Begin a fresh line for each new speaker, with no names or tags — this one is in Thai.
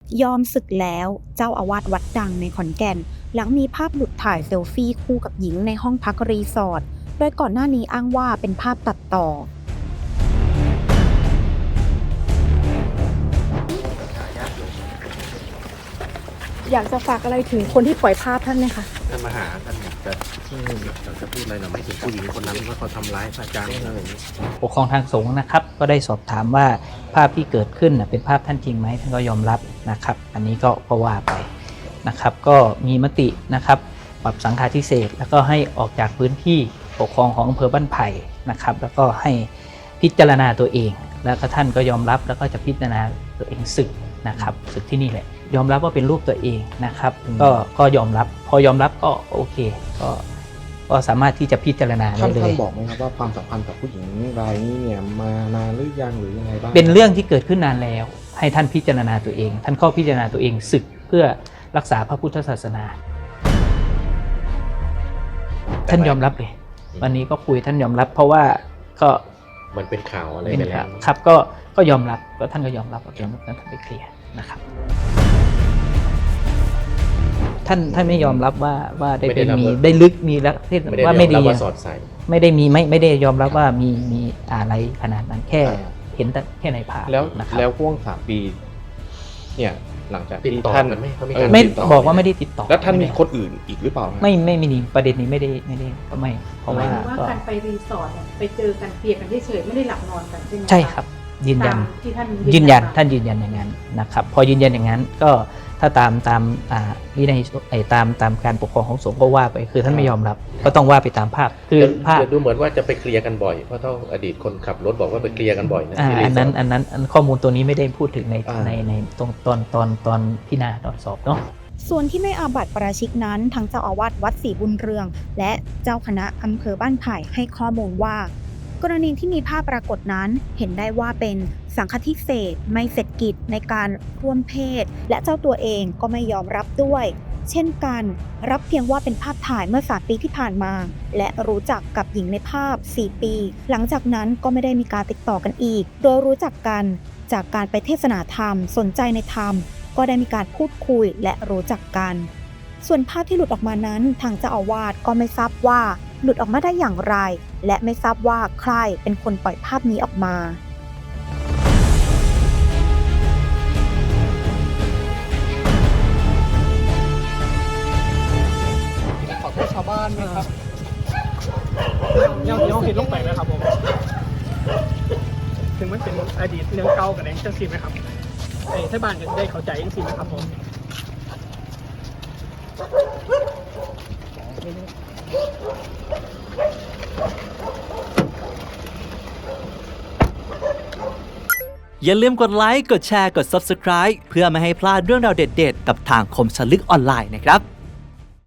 ยอมสึกแล้วเจ้าอาวาสวัดดังในขอนแก่นหลังมีภาพหลุดถ่ายเซลฟี่คู่กับหญิงในห้องพักรีสอร์ทโดยก่อนหน้านี้อ้างว่าเป็นภาพตัดต่ออยากจะฝากอะไรถึงคนที่ปล่อยภาพท่านไหมคะ
ท่านมาหาท่านอยากจะพูดอะไรหน่อยไม่ถึงผู้หญิงคนนั้นว่าเขาทำร้ายพระอาจารย์อะไรอย่างนี้
ปกครองทางสงฆ์นะครับก็ได้สอบถามว่าภาพที่เกิดขึ้นเป็นภาพท่านจริงไหมท่านก็ยอมรับนะครับอันนี้ก็ว่าไปนะครับก็มีมตินะครับปรับสังฆาธิเศษแล้วก็ให้ออกจากพื้นที่ปกครองของอำเภอบ้านไผ่นะครับแล้วก็ให้พิจารณาตัวเองแล้วก็ท่านก็ยอมรับแล้วก็จะพิจารณาตัวเองสึกนะครับสึกที่นี่แหละยอมรับว่าเป็นรูปตัวเองนะครับก็ยอมรับพอยอมรับก็โอเคก็สามารถที่จะพิจารณาได้เลย
ท่านบอกไหมครับว่าความสัมพันธ์กับผู้หญิงรายนี้เนี่ยมานานหรือยังหรือยังไงบ้าง
เป็นเรื่องที่เกิดขึ้นนานแล้วให้ท่านพิจารณาตัวเองท่านข้อพิจารณาตัวเองศึกเพื่อรักษาพระพุทธศาสนาท่านยอมรับเลยวันนี้ก็คุยท่านยอมรับเพราะว่าก็
มันเป็นข่าวอะไรไปแล้ว
ครับก็ยอมรับก็ท่านก็ยอมรับว่าท่านไปเคลียร์นะครับท่านไม่ยอมรับว่าได้เป็นมีได้ลึกมีแล้วว่าไม่ดีไม่ได้มีไม่ได้ยอมรับว่ามีอะไรขนาดนั้นแค่เห็นแต่แค่ในภาพ
แล้วช่วง3 ปีเนี่ยหลังจากที่ท่าน
ไม่บอกว่าไม่ได้ติดต่อ
แล้วท่านมีคนอื่นอีกหรือเปล่า
ไม่มีประเด็นนี้ไม่ได้เพราะว่า
การไปรีสอร์ทไปเจอกันเคลียร์กันเฉยๆไม่ได้หลับนอนกันใช่ไหม
ใช่ครับยืนยันท่านยืนยันอย่างนั้นนะครับพอยืนยันอย่างนั้นก็ถ้าตามวินัยตามการปกครองของสงฆ์ก็ว่าไปคือท่านไม่ยอมรับก็ต้องว่าไปตามภาพคือภาพ
ดูเหมือนว่าจะไปเคลียร์กันบ่อยเพราะต้องอดีตคนขับรถบอกว่าไปเคลียร์กันบ่อยนะ
อันนั้นข้อมูลตัวนี้ไม่ได้พูดถึงในตรงตอนพิจารณาตอนสอบเนาะ
ส่วนที่ไม่อาบัติปาราชิกนั้นทั้งเจ้าอาวาสวัดศรีบุญเรืองและเจ้าคณะอำเภอบ้านไผ่ให้ข้อมูลว่ากรณีที่มีภาพปรากฏนั้นเห็นได้ว่าเป็นสังฆทิเศษไม่เสร็จกิจในการร่วมเพศและเจ้าตัวเองก็ไม่ยอมรับด้วยเช่นกันรับเพียงว่าเป็นภาพถ่ายเมื่อ3 ปีที่ผ่านมาและรู้จักกับหญิงในภาพ4 ปีหลังจากนั้นก็ไม่ได้มีการติดต่อกันอีกโดยรู้จักกันจากการไปเทศนาธรรมสนใจในธรรมก็ได้มีการพูดคุยและรู้จักกันส่วนภาพที่หลุดออกมานั้นทางเจ้าอาวาสก็ไม่ทราบว่าหลุดออกมาได้อย่างไรและไม่ทราบว่าใครเป็นคนปล่อยภาพนี้ออกมา
ขอโทษชาวบ้านไหมครับยังผิดลงไปไหมครับผมถึงมันเป็นอดีตเรื่องเก่ากับแรงจังสิไหมครับถ้าบ้านจะได้เข้าใจจังสิไหมครับผม
อย่าลืมกดไลค์ กดแชร์ กด Subscribe เพื่อไม่ให้พลาดเรื่องราวเด็ดๆกับทางคมสลึกออนไลน์นะครับ